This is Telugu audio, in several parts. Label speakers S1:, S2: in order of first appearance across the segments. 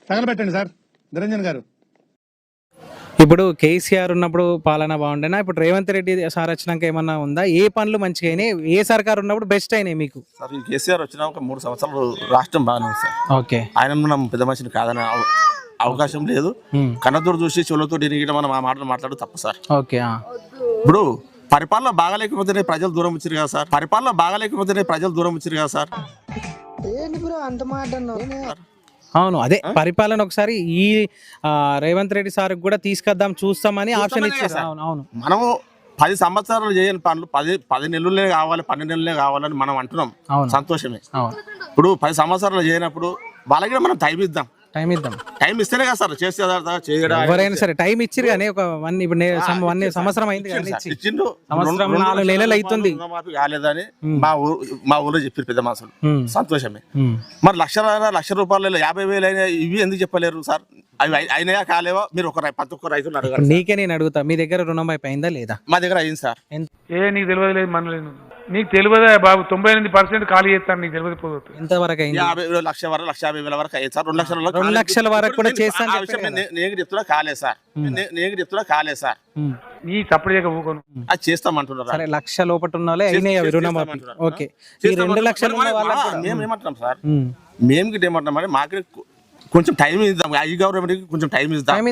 S1: తగలబెట్టండి సార్ నిరంజన్ గారు.
S2: ఇప్పుడు కేసీఆర్ ఉన్నప్పుడు పాలన బాగుండేనా, ఇప్పుడు రేవంత్ రెడ్డి సార్ వచ్చినాక ఏమన్నా ఉందా? ఏ పనులు మంచిగా అయినాయి, ఏ సర్కార్ ఉన్నప్పుడు బెస్ట్ అయినాయి మీకు?
S3: సార్ ఈ కేసీఆర్ వచ్చిన ఒక 3 సంవత్సరాలు రాష్ట్రం బాగానే ఉంది సార్.
S2: ఓకే,
S3: ఆయన మనం పెద్ద మనిషిని కాదనే అవకాశం లేదు. కన్నతోడు చూసి చెవులతో తిరిగి మనం ఆ మాటలు మాట్లాడు తప్పు సార్.
S2: ఓకే,
S3: ఇప్పుడు పరిపాలన బాగాలేకపోతేనే ప్రజలు దూరం వచ్చారు కదా సార్. పరిపాలన బాగాలేకపోతేనే ప్రజలు దూరం వచ్చారు కదా సార్.
S2: అవును, అదే పరిపాలన ఒకసారి ఈ రేవంత్ రెడ్డి సార్ కూడా తీసుకొద్దాం చూస్తామని ఆప్షన్ ఇచ్చారు. అవును అవును,
S3: మనము 10 సంవత్సరాలు చేయని పనులు 10 నెలలే కావాలి, 12 నెలలే కావాలని మనం అంటున్నాం. సంతోషమే. ఇప్పుడు 10 సంవత్సరాలు చేయనప్పుడు వాళ్ళకి మనం టైం ఇద్దాం. టైం ఇస్తేనే కదా సార్ చేస్తే
S2: ఎవరైనా సరే టైం ఇచ్చిరు కానీ ఒక ఇప్పుడు సంవత్సరం అయింది, సంవత్సరం 4 నెలలు అవుతుంది
S3: కాలేదని మా ఊళ్ళో చెప్పారు పెద్ద మాసాలు. సంతోషమే. మరి లక్ష రూపాయలు 50,000 అయినా ఇవి ఎందుకు చెప్పలేరు సార్? అవి అయినాయా కాలేవా? మీరు ప్రతి ఒక్క రైతులు అడగాలి.
S2: నీకే నేను అడుగుతా, మీ దగ్గర రుణం అయిపోయిందా లేదా?
S3: మా దగ్గర అయింది సార్.
S4: నీకు తెలియదు లేదు మనలేదు, నీకు తెలియదా బాబు? 98% ఖాళీ చేస్తాను, నీకు తెలియదు పోదు.
S2: ఎంతవరకు అయింది?
S3: 1,50,000 వరకు అయ్యింది సార్.
S2: 2 లక్షల వరకు కూడా చేస్తాను.
S3: నేను చెప్తున్నా కాలే సార్. నేను చెప్తున్నా కాలే సార్.
S4: నీ సప్పుడు చేయక ఊకోను,
S3: అది చేస్తామంటున్నారు.
S2: సరే, 1,00,000 లోపల ఉన్న వాళ్ళే అయినాయి అవి రుణమాఫీ. ఓకే, ఈ 2 లక్షలు
S3: మేము ఏమంటున్నాం సార్? మేము ఏమంటున్నాం అంటే మాకు కొంచెం టైం ఇద్దాం. ఈ గవర్నమెంట్ కొంచెం టైం ఇద్దాం.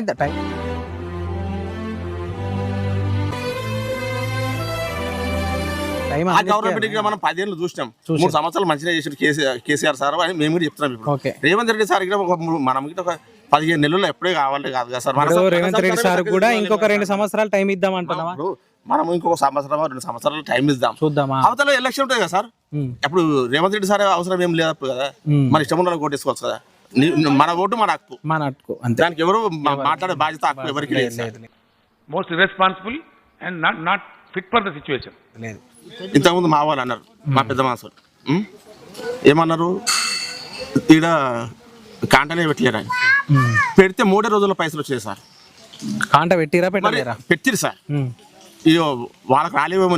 S3: ఆ గవర్నమెంట్ మనం 10 ఏళ్ళు చూసినాం. 3 సంవత్సరాలు మంచిగా చేసిన కేసీఆర్ సార్ అని మేము కూడా చెప్తున్నాం. ఇప్పుడు రేవంత్ రెడ్డి సార్ మనం ఒక 15 నెలల్లో ఎప్పుడే కావాలి కాదు కదా సార్.
S2: రేవంత్ రెడ్డి సార్ కూడా ఇంకొక 2 సంవత్సరాలు టైం ఇద్దాం అంటున్నావా?
S3: మనం ఇంకొక 2 సంవత్సరాలు టైం ఇద్దాం.
S2: చూద్దామా?
S3: అవతల ఎలక్షన్ ఉంటాయి కదా సార్. అప్పుడు రేవంత్ రెడ్డి సార్ అవసరం ఏం లేదు కదా. మన ఇష్టం ఉన్న ఓటేసుకోవచ్చు కదా. మన ఓటు మన హక్కు. దానికి ఎవరు మాట్లాడే బాధ్యత హక్కు ఎవరికి లేదు.
S4: Most irresponsible and not fit for the situation.
S3: ఇంతకుముందు మా వాళ్ళు అన్నారు, మా పెద్ద మాసాలు ఏమన్నారు, ఈడ కాంటనే పెట్టలేరు అని. పెడితే 3 రోజుల్లో పైసలు వచ్చాయి సార్.
S2: కాంట పెట్టిరా?
S3: పెట్టిరు సార్. ఇయ్యో వాళ్ళకి రాలేవేమో.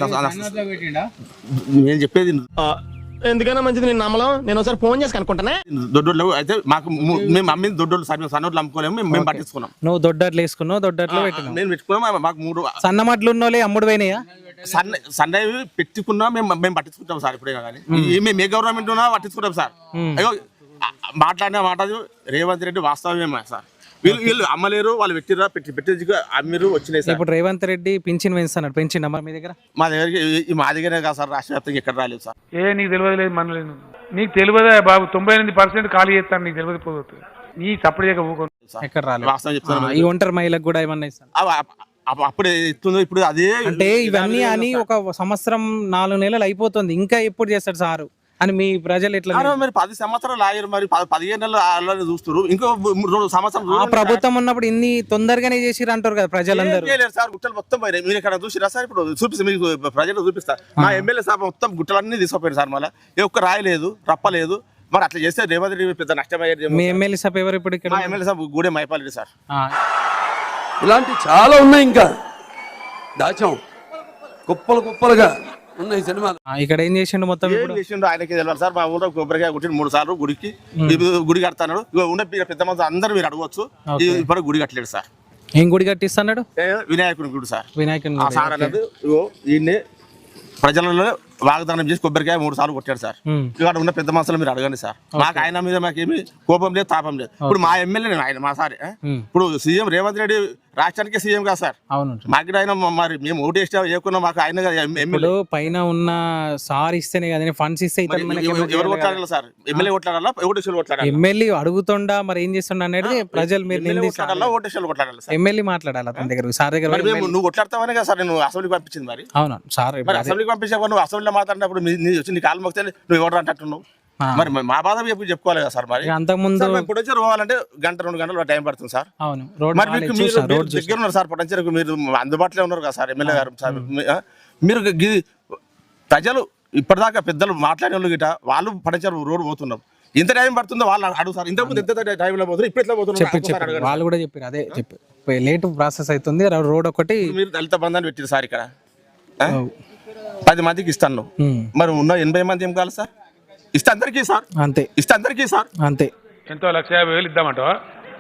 S3: నేను చెప్పేది
S5: ఎందుకైనా మంచిది, నేను నమ్మలం. నేను ఒకసారి ఫోన్ చేసి కనుక్కుంటానే.
S3: దొడ్డోళ్ళు అయితే మాకు మేము అమ్మింది దొడ్డోళ్ళు సార్. మేము సన్నోళ్ళు అమ్ముకోలేము, మేము పట్టించుకున్నాం.
S2: నువ్వు దొడ్డట్లు వేసుకున్నావు, దొడ్డట్లో పెట్టినావు.
S3: మేము పెట్టుకున్నాం. మాకు 3
S2: సన్నమట్లు ఉన్నోళ్ళే అమ్ముడు పోయినాయా?
S3: సన్నవి పెట్టుకున్నా మేము పట్టించుకుంటాం సార్. ఇప్పుడే కానీ మేము ఏ గవర్నమెంట్ ఉన్నా పట్టించుకుంటాం సార్. అయ్యో మాట్లాడిన మాట రేవంత్ రెడ్డి వాస్తవమేమా సార్? వీళ్ళు అమ్మలేరు, వాళ్ళు పెట్టిరా పెట్టి అమ్మిరు వచ్చినాయి సార్.
S2: ఇప్పుడు రేవంత్ రెడ్డి పింఛన్ పెంచుతున్నాడు. పెంచిండా మీ దగ్గర?
S3: మా దగ్గరే కాదు సార్, రాష్ట్ర వ్యాప్తంగా ఎక్కడ రాలేదు సార్.
S4: నీకు తెలియదు లేదు మనలేదు, నీకు తెలియదా బాబు? 98% ఖాళీ చేస్తాను, నీకు తెలియదు పోదు. నీ సప్పుడు చేయక ఊకోను,
S2: ఎక్కడ రాలేదు.
S3: వాస్తవం చెప్తాను.
S2: ఈ ఒంటరి మహిళకు కూడా ఏమన్నా ఇస్తాను
S3: అప్పుడే ఇస్తుందో ఇప్పుడు అదే.
S2: అంటే ఇవన్నీ అని ఒక సంవత్సరం 4 నెలలు అయిపోతుంది, ఇంకా ఎప్పుడు చేస్తాడు సారు అని మీ ప్రజలు ఎట్లా?
S3: మరి 10 సంవత్సరాలు ఆగారు, మరి 15 నెలలు చూస్తారు. ఇంకో 2 సంవత్సరాలు
S2: ఆ ప్రభుత్వం ఉన్నప్పుడు ఇన్ని తొందరగానే చేసిరు అంటారు కదా ప్రజలందరూ.
S3: సార్ గుట్టలు మొత్తం పోయినాయి. మీరు ఎక్కడ చూసిరా సార్? ఇప్పుడు చూపిస్తే మీకు ప్రజలు చూపిస్తా. మా ఎమ్మెల్యే సార్ మొత్తం గుట్టలన్నీ తీసుకుపోయారు సార్. మళ్ళీ ఏ ఒక్క రాయలేదు, రప్పలేదు. మరి అట్లా చేస్తే రేవంత్ రెడ్డి పెద్ద నష్టమయ్యేది.
S2: మీ ఎమ్మెల్యే సార్ ఎవరు ఇప్పుడు?
S3: మా MLA sir Gudem Mahipal Reddy sir.
S6: ఇలాంటి చాలా ఉన్నాయి, ఇంకా దాచాం కుప్పలుగా ఉన్నాయి సినిమాలు.
S2: ఇక్కడ ఏం చేసిండు మొత్తం?
S3: చేసిండు ఆయనకి తెలియాలి సార్. మా ఊళ్ళో కొబ్బరికాయ కొట్టి 3 సార్లు గుడి కడతాడు. ఉన్న పెద్ద మంది అందరూ మీరు అడగవచ్చు. ఇప్పుడు గుడి కట్టలేడు సార్.
S2: ఏం గుడి కట్టిస్తున్నాడు?
S3: వినాయకుని గుడి సార్.
S2: వినాయకుని
S3: సార్ అన్నది ఈయన్ని ప్రజలలో వాగ్దానం చేసి కొబ్బరికాయ 3 సార్లు కొట్టాడు సార్. ఇక్కడ ఉన్న పెద్ద మనుషులు మీరు అడగండి సార్. మాకు ఆయన మీద మాకేమి కోపం లేదు, తాపం లేదు. ఇప్పుడు మా ఎమ్మెల్యే ఆయన మా సార్. ఇప్పుడు సీఎం రేవంత్ రెడ్డి రాష్ట్రానికి సీఎం కదా సార్.
S2: అవును,
S3: మాకు ఆయన మరి మేము ఓటు వేస్తే ఏకున్నా మాకు ఆయన
S2: ఎమ్మెల్యే పైన ఉన్న సార్ ఇస్తేనే కదా ఫండ్స్ ఇస్తే.
S3: ఎవరు కొట్లాడాలి సార్? ఎమ్మెల్యే కొట్లాడాలా, ఓటేషన్లు కొట్లాడాలి?
S2: ఎమ్మెల్యే అడుగుతుండా మరి ఏం చేస్తుండ అనేది ప్రజలు మీరు
S3: కొట్లాడాలా, ఓటేషన్లు కొట్లాడాలి?
S2: ఎమ్మెల్యే మాట్లాడాలి అతని దగ్గర, సార్ దగ్గర.
S3: నువ్వు కొట్లాడతావనే కదా సార్ నేను అసెంబ్లీకి పంపించింది. మరి
S2: అవును సార్,
S3: అసెంబ్లీకి పంపించావు, నువ్వు అసెంబ్లీలో మాట్లాడినప్పుడు వచ్చి నీ కాలు మొక్కితే నువ్వు ఎవరు అంటున్నావు? మరి మా బాధ చెప్పుకోవాలి కదా సార్. మరి
S2: అంతకుముందు
S3: పొటెన్షియల్ పోవాలంటే 1-2 గంటలు టైం పడుతుంది సార్.
S2: అవును,
S3: మరి దగ్గర ఉన్నారు సార్. పొటెన్షియల్ మీరు అందుబాటులో ఉన్నారు కదా సార్ ఎమ్మెల్యే గారు సార్. మీరు ప్రజలు ఇప్పటిదాకా పెద్దలు మాట్లాడే వాళ్ళు గిట వాళ్ళు పొటెన్షియల్ రోడ్ పోతున్నారు. ఎంత టైం పడుతుందో వాళ్ళు అడుగు సార్. ఇంతకుముందు ఎంత టైంలో పోతున్నారు, ఇప్పుడు ఎట్లా పోతున్నారు
S2: వాళ్ళు కూడా చెప్పారు. అదే చెప్పి లేట్ ప్రాసెస్ అవుతుంది. రోడ్ ఒకటి
S3: మీరు దళిత బంధాన్ని పెట్టారు సార్. ఇక్కడ 10 మందికి ఇస్తాను, మరి ఉన్న 80 మంది ఏం కావాలి సార్? ఇస్తే అందరికీ సార్.
S2: అంతే,
S3: ఇస్తే అందరికీ సార్.
S2: అంతే.
S4: ఎంతో 1,50,000 ఇద్దామంటావా?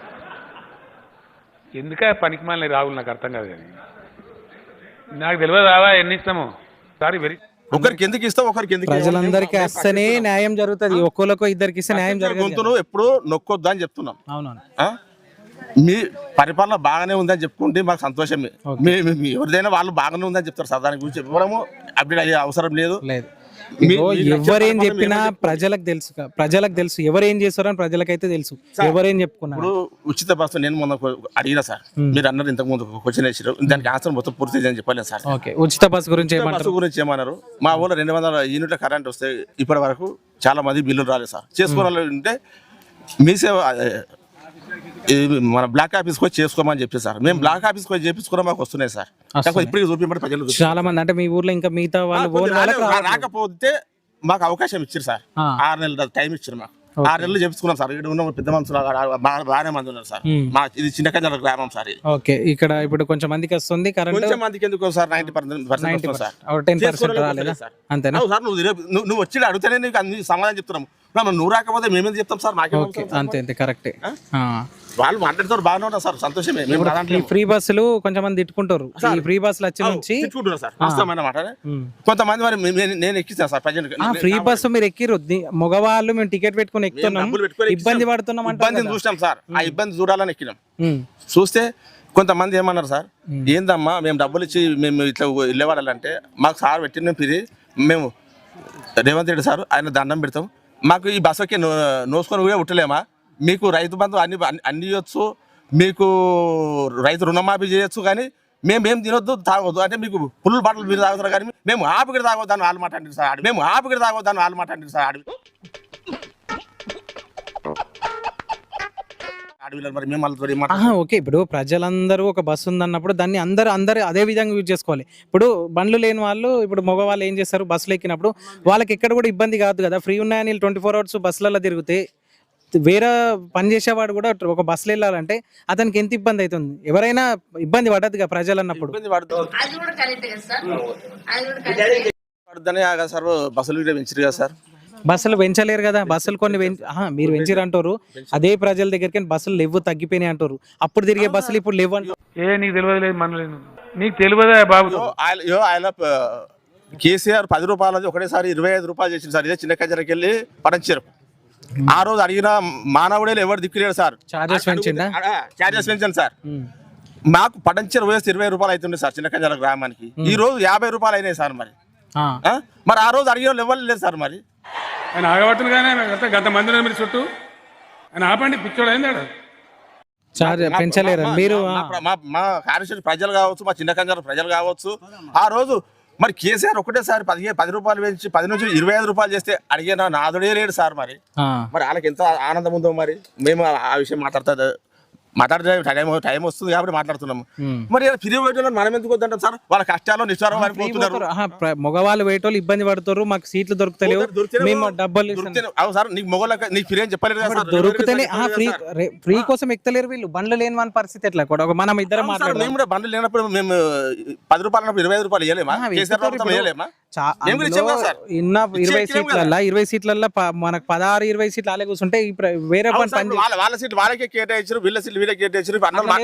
S4: ఎందుక పనికి మాలిన రాగులు నాకు అర్థం కాదు. కానీ నాకు తెలియదు రావా ఎన్ని ఇస్తామో. సారీ వెరీ
S3: ఒకరికి ఎందుకు ఇస్తావు, ఒకరికి ఎందుకు
S2: ప్రజలందరికీ వస్తేనే న్యాయం జరుగుతుంది. ఒక్కొక్కరికి ఇద్దరికి ఇస్తే న్యాయం జరగదు.
S3: గొంతును ఎప్పుడు నొక్కొద్దు అని చెప్తున్నాం.
S2: అవునవును.
S3: ఆ? మీ పరిపాలన బాగానే ఉందని చెప్పుకుంటే మాకు సంతోషమే. ఎవరిదైనా వాళ్ళు బాగానే ఉందని చెప్తారు సార్. దాని గురించి చెప్పడము అప్డేట్ అయ్యే అవసరం లేదు.
S2: ఎవరేం చెప్పినా ప్రజలకు తెలుసు ఎవరేం చేస్తారని ప్రజలకైతే తెలుసు. ఎవరేం చెప్పుకున్నారు.
S3: ఇప్పుడు ఉచిత బస్సు నేను మొన్న అడిగినా సార్, మీరు అన్నారు ఇంతకు ముందు క్వశ్చన్ వేసారు, దానికి ఆన్సర్ మొత్తం పూర్తి అని చెప్పలేదు సార్.
S2: ఓకే, ఉచిత బస్సు గురించి
S3: ఏమన్నారు? మా ఊళ్ళో 200 యూనిట్ల కరెంట్ వస్తే ఇప్పటి వరకు చాలా మంది బిల్లులు రాలేదు సార్. చేసుకోవాలంటే మీ సేవ మన బ్లాక్ ఆఫీస్కి వచ్చి చేసుకోమని చెప్పి సార్. మేము బ్లాక్ ఆఫీస్కి వచ్చి చేపించుకున్నా మాకు వస్తున్నాయి సార్. ఇప్పుడు చూపించబడి ప్రజలు
S2: చాలా మంది అంటే మీ ఊర్లో ఇంకా మిగతా వాళ్ళు
S3: రాకపోతే మాకు అవకాశం ఇచ్చారు సార్. 6 నెలల టైం ఇచ్చారు మాకు. 6 నెలలు చెప్పుకున్నాం సార్. ఇక్కడ ఉన్న పెద్ద మనుషులు బాగానే మంది ఉన్నారు సార్. మా ఇది చిన్నకంజల గ్రామం సార్.
S2: ఓకే, ఇక్కడ ఇప్పుడు కొంచెం మందికి వస్తుంది కరెంట్.
S3: కొంచెం మందికి ఎందుకు సార్? 90% సార్.
S2: 10% రాలేదా? అంతేనా
S3: సార్? నువ్వు వచ్చి అడిగితేనే నీకు అన్ని సమాధానం చెప్తున్నాము. నువ్వు రాకపోతే మేమేం చెప్తాం సార్? మాకే
S2: అంతే కరెక్టే.
S3: వాళ్ళు మాట్లాడుతారు బాగానే ఉన్నారు సార్, సంతోషమే.
S2: ఈ ఫ్రీ బస్సులు కొంచెం మంది తిట్టుకుంటారు. ఈ ఫ్రీ బస్సులు వచ్చి నుంచి
S3: సార్ వాస్తవమైన మాట. కొంతమంది మరి నేను ఎక్కిస్తాను సార్ ప్రజెంట్.
S2: ఫ్రీ బస్సు మీరు ఎక్కిరు, మగవాళ్ళు మేము టికెట్ పెట్టుకుని ఎక్కుతున్నాం, ఇబ్బంది పడుతున్నాం.
S3: ఇబ్బందిని చూసాం సార్. ఆ ఇబ్బంది చూడాలని ఎక్కినాం. చూస్తే కొంతమంది ఏమన్నారు సార్, ఏందమ్మా మేము డబ్బులు ఇచ్చి మేము ఇట్లా వెళ్ళేవాళ్ళంటే మాకు సార్ పెట్టిన పిరి మేము రేవంత్ రెడ్డి సార్ ఆయన దండం పెడతాం, మాకు ఈ బస్సుకి నోసుకొని కూడా ఉట్టలేమా, మీకు రైతు బంధు అన్ని ఇవ్వచ్చు, మీకు రైతు రుణమాఫీ చేయొచ్చు, కానీ మేమేం తినొద్దు తాగొద్దు అంటే మీకు పుల్లు బట్టలు మీరు తాగుతారు, కానీ మేము ఆపికడ తాగొద్దాను వాళ్ళు మాట అంటారు సార్. మేము ఆపికడ తాగొద్దాను వాళ్ళు మాట అంటారు సార్.
S2: ఓకే, ఇప్పుడు ప్రజలందరూ ఒక బస్సు ఉందన్నప్పుడు దాన్ని అందరూ అదే విధంగా యూజ్ చేసుకోవాలి. ఇప్పుడు బండ్లు లేని వాళ్ళు, ఇప్పుడు మగవాళ్ళు ఏం చేస్తారు, బస్సులు ఎక్కినప్పుడు వాళ్ళకి ఎక్కడ కూడా ఇబ్బంది కాదు కదా. ఫ్రీ ఉన్నాయని 24 hours బస్సులలో తిరిగితే వేరే పని చేసేవాడు కూడా ఒక బస్సులో వెళ్ళాలంటే అతనికి ఎంత ఇబ్బంది అవుతుంది. ఎవరైనా ఇబ్బంది పడదుగా ప్రజలు అన్నప్పుడు.
S3: బస్సులు పెంచారు కదా సార్.
S2: బస్సులు పెంచలేరు కదా. బస్సులు కొన్ని మీరు పెంచారు అంటారు, అదే ప్రజల దగ్గరికి బస్సులు లేవు తగ్గిపోయినాయి అంటారు. అప్పుడు తిరిగే బస్సులు ఇప్పుడు లేవు అంటారు.
S4: నీకు తెలియదు మనలేదు, నీకు తెలియదా బాబు?
S3: ఆయన కేసీఆర్ 10 రూపాయలది ఒకటేసారి 25 రూపాయలు చేసింది సార్. ఇదే చిన్న కజరకి వెళ్ళి పడంచారు. ఆ రోజు అడిగిన మానవుడే ఎవరు దిక్కులేడు సార్. చార్జెస్ పెంచాను సార్. మాకు పడంచెరు వయసు 20 రూపాయలు అవుతుండే సార్ చిన్న కజర గ్రామానికి. ఈ రోజు 50 రూపాయలు అయినాయి సార్. మరి ఆ రోజు అడిగిన వాళ్ళు ఎవరు లేదు సార్. మరి
S4: ఆయన ఆగబడుతుంది కానీ గత మంది మీరు చుట్టూ ఆయన ఆపండి, పిచ్చోడు అయింది.
S2: పెంచలేరు మీరు.
S3: మా కార్యశక్తి ప్రజలు కావచ్చు, మా చిన్న కంజర ప్రజలు కావచ్చు, ఆ రోజు మరి కేసీఆర్ ఒకటేసారి 10 రూపాయలు పెంచి 10 నుంచి 25 రూపాయలు చేస్తే అడిగిన నాదుడే లేడు సార్. మరి వాళ్ళకి ఎంత ఆనందం ఉందో. మరి మేము ఆ విషయం మాట్లాడితే టైం వస్తుంది కాబట్టి మాట్లాడుతున్నాము. మరి ఫ్రీ వేయటం మనం ఎందుకు వద్దంటాం సార్? వాళ్ళ కష్టాలు నిష్ఠారం
S2: మగవాళ్ళు వేయటోళ్ళు ఇబ్బంది పడుతారు, మాకు సీట్లు దొరుకుతలేవు, మేము డబ్బులు
S3: అవును సార్. నీకు మొగోళ్ళకి నీకు ఫ్రీ అని చెప్పలేదు.
S2: దొరుకుతేనే ఫ్రీ కోసం ఎక్కుతలేరు వీళ్ళు. బండ్లు లేని మన పరిస్థితి ఎట్లా కూడా మనం ఇద్దరం మాట్లాడాలి.
S3: మేము కూడా బండ్లు లేనప్పుడు మేము 10 రూపాయలు 25 రూపాయలు ఇవ్వలేమా?
S2: 20 సీట్లల్లో 20 సీట్లల్లో మనకు 16-20 సీట్లు అలాగే కూర్చుంటే వేరే
S3: వాళ్ళ సీట్లు వాళ్ళకే కేటాయించారు, వీళ్ళ సీట్లు వీళ్ళకి కేటాయించారు.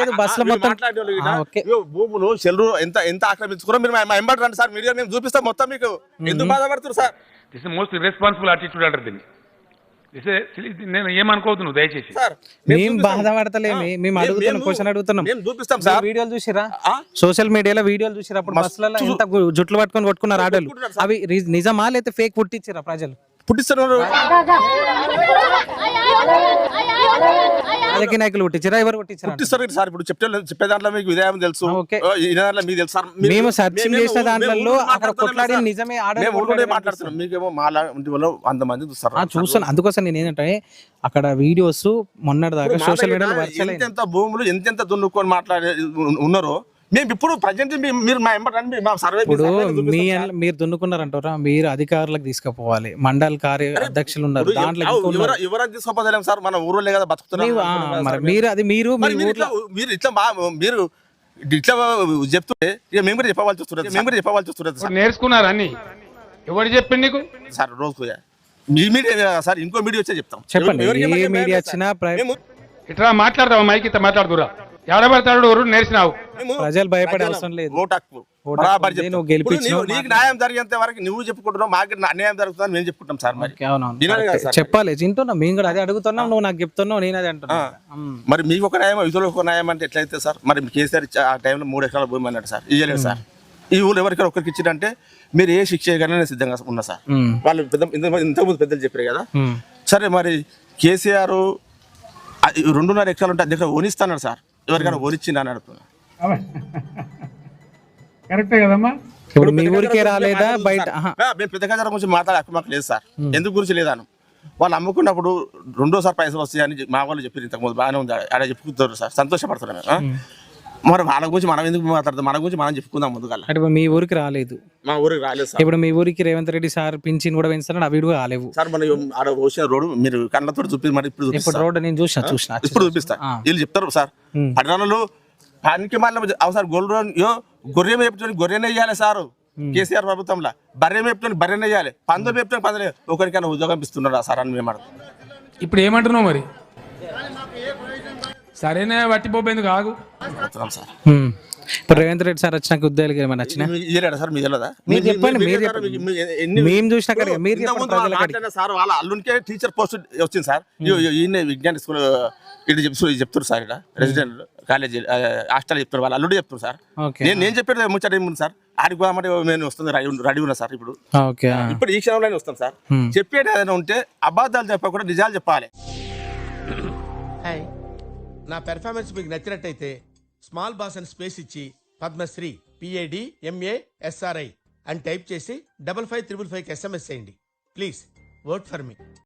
S3: భూములు చెల్లు ఎంత ఆక్రమించుకున్నా మీరు మా ఎంబడి రండి సార్, మీడియా మేము చూపిస్తాం మొత్తం. మీకు ఎందుకు బాధపడుతున్నారు sir?
S4: This is most irresponsible attitude అంటారు దీన్ని. నేను ఏమనుకోవద్దు, నువ్వు దయచేసి.
S2: మేము బాధపడతలేమి, మేము అడుగుతున్నాం, క్వశ్చన్ అడుగుతున్నాం.
S3: చూపిస్తాం సార్.
S2: వీడియోలు చూసిరా, సోషల్ మీడియాలో వీడియోలు చూసిరా? అప్పుడు బస్సులలో ఎంత జుట్లు పట్టుకొని కొట్టుకున్నారు ఆడోళ్ళు. అవి నిజమా లేకపోతే ఫేక్ పుట్టించారా? ప్రజలు పుట్టిస్తున్నారు. రాజకీయ నాయకులు పుట్టించారా? ఎవరు పుట్టించారు
S3: సార్? ఇప్పుడు చెప్పే దాంట్లో మీకు విధానం తెలుసు, మీకు తెలుసు.
S2: మేము సర్చింగ్ చేసిన దాంట్లో అక్కడ కొట్లాడి నిజమే
S3: మాట్లాడుతున్నాం. మీకేమో మాలా వాళ్ళు 100 మంది
S2: చూస్తాను. అందుకోసం నేను ఏంటంటే అక్కడ వీడియోస్ మొన్నటిదాకా సోషల్ మీడియాలో
S3: ఎంత భూములు ఎంత దున్నుకొని మాట్లాడే ఉన్నారో మేము ఇప్పుడు ప్రజెంట్ మీరు మా ఎంబడి మా సర్వే.
S2: ఇప్పుడు మీరు దున్నుకున్నారంటారా? మీరు అధికారులకు తీసుకుపోవాలి. మండల కార్య అధ్యక్షులు ఉన్నారు, దాంట్లో
S3: ఎవరైనా తీసుకోపోలేం సార్. మన ఊర్లో కదా బతుకుతున్నారు.
S2: మీరు అది మీరు
S3: ఇట్లా చెప్తుంటే ఇక మేము కూడా చెప్పవలసి వస్తుంది.
S4: నేర్చుకున్నారు అన్ని. ఎవరు చెప్పింది నీకు
S3: సార్? రోజు మీ మీడియా కదా సార్, ఇంకో మీడియా వచ్చే చెప్తాం.
S2: చెప్పండి
S3: ఎవరికి
S2: ఏ
S3: ఏమన్నా
S2: మీడియా
S3: భయం లేదు
S2: వచ్చినా
S3: సార్. మేము
S4: ఇట్లా మాట్లాడతావా మైక్ ఇట్లా మాట్లాడుతురా ఎడబడతాడు ఎవరు నేర్చినావు
S2: ప్రజలు భయపడే అవసరం లేదు.
S3: ఓటు హక్కు
S2: ఓటు
S3: బరాబర్
S2: హక్కు ఉంది,
S3: చెప్తాం.
S2: నువ్వు గెలిపించినావు,
S3: ఇప్పుడు నీకు న్యాయం జరిగేంత వరకు నువ్వు చెప్పుకుంటున్నావు, మాకు అన్యాయం జరుగుతుందని మేము చెప్పుకుంటాం సార్. మరి
S2: అవునవును
S3: వినాలి కదా సార్.
S2: చెప్పాలి, వింటున్నాం మేము కూడా అదే అడుగుతున్నాం, నువ్వు నాకు చెప్తున్నావు, నేను అదే అంటున్నా.
S3: మరి మీకు ఒక న్యాయం ఇతరులకు ఒక న్యాయం అంటే ఎట్లయితే సార్? మరి కేసీఆర్ ఆ టైంలో 3 ఎకరాల భూమి అన్నాడు సార్, ఇవ్వలేదు సార్. ఈ ఊళ్ళో ఎవరికైనా ఒకరికి ఇచ్చిందంటే మీరు ఏ శిక్ష చేయగానే నేను సిద్ధంగా ఉన్నా సార్. వాళ్ళు ఇంతకుముందు పెద్దలు చెప్పారు కదా. సరే మరి కేసీఆర్ 2.5 ఎకరాలు ఉంటే దగ్గర ఓనిస్తాడు సార్, ఎవరికైనా ఓనిచ్చింది అని అడుగుతున్నా.
S4: కరెక్టే కదమ్మా.
S2: ఇప్పుడు మీ ఊరికే రాలేదా బయట?
S3: మేము పెద్ద గజాల గురించి మాట్లాడే హక్కు మాకు లేదు సార్. ఎందుకు గురించి లేదాను, వాళ్ళు అమ్ముకున్నప్పుడు 2వ పైసలు వస్తాయని మా వాళ్ళు చెప్పారు. ఇంతకుముందు బాగానే ఉంది, ఆడ చెప్పుకుంటారు సార్, సంతోషపడుతున్నాను. మరి వాళ్ళ గురించి మనం ఎందుకు మాట్లాడతాం? మన గురించి మనం చెప్పుకుందాం ముందుగా.
S2: అంటే మీ ఊరికి రాలేదు,
S3: మా ఊరికి రాలేదు సార్.
S2: ఇప్పుడు మీ ఊరికి రేవంత్ రెడ్డి సార్ పింఛన్ కూడా పెంచుతాడు, అవి కూడా రాలేవు
S3: సార్. మన ఆడ వచ్చిన రోడ్డు మీరు కళ్ళతో చూపి మరి ఇప్పుడు
S2: రోడ్డు నేను చూసిన
S3: ఇప్పుడు చూపిస్తా. వీళ్ళు చెప్తారు సార్, పట్టణాలలో పనికి మళ్ళీ సార్ గొర్రె మేపుకొని గొర్రెనే వేయాలి సార్. కేసీఆర్ ప్రభుత్వంలో బర్రె మేపుకొని బర్రెనే వేయాలి, పందులు మేపుకొని పందులు. ఒకరికైనా ఉద్యోగం ఇస్తున్నారా సార్ అని మేము అడుగుతాం.
S4: ఇప్పుడు ఏమంటున్నావు మరి? సరేనే వట్టిపోయింది కాదు
S3: సార్.
S2: ఇప్పుడు రేవంత్ రెడ్డి సార్ వచ్చినాక ఉద్యోగాలు ఏమైనా వచ్చినా
S3: సార్? మీ తెలియదా?
S2: మీరు చెప్పండి, మేము చూసినా కదా మీరు చెప్పండి.
S3: సార్ వాళ్ళ అల్లునికే టీచర్ పోస్ట్ వచ్చింది సార్. ఈయన విజ్ఞాన స్కూల్ ఇటు చెప్తారు సార్, ఇక్కడ రెసిడెంట్ కాలేజీ హాస్టల్ చెప్తారు, వాళ్ళ అల్లుడు చెప్తారు సార్. నేను చెప్పేది ముచ్చట ఏముంది సార్, ఆడికి పోదామంటే నేను వస్తుంది రెడీ ఉన్నా సార్. ఇప్పుడు ఈ క్షణంలోనే వస్తాం సార్. చెప్పేది ఏదైనా ఉంటే అబద్ధాలు చెప్పకుండా నిజాలు చెప్పాలి.
S5: నా పెర్ఫార్మెన్స్ మీకు నచ్చినట్టయితే స్మాల్ బాస్ అని స్పేస్ ఇచ్చి పద్మశ్రీ PADMASRI అని టైప్ చేసి 5555 SMS చేయండి. Please vote for me.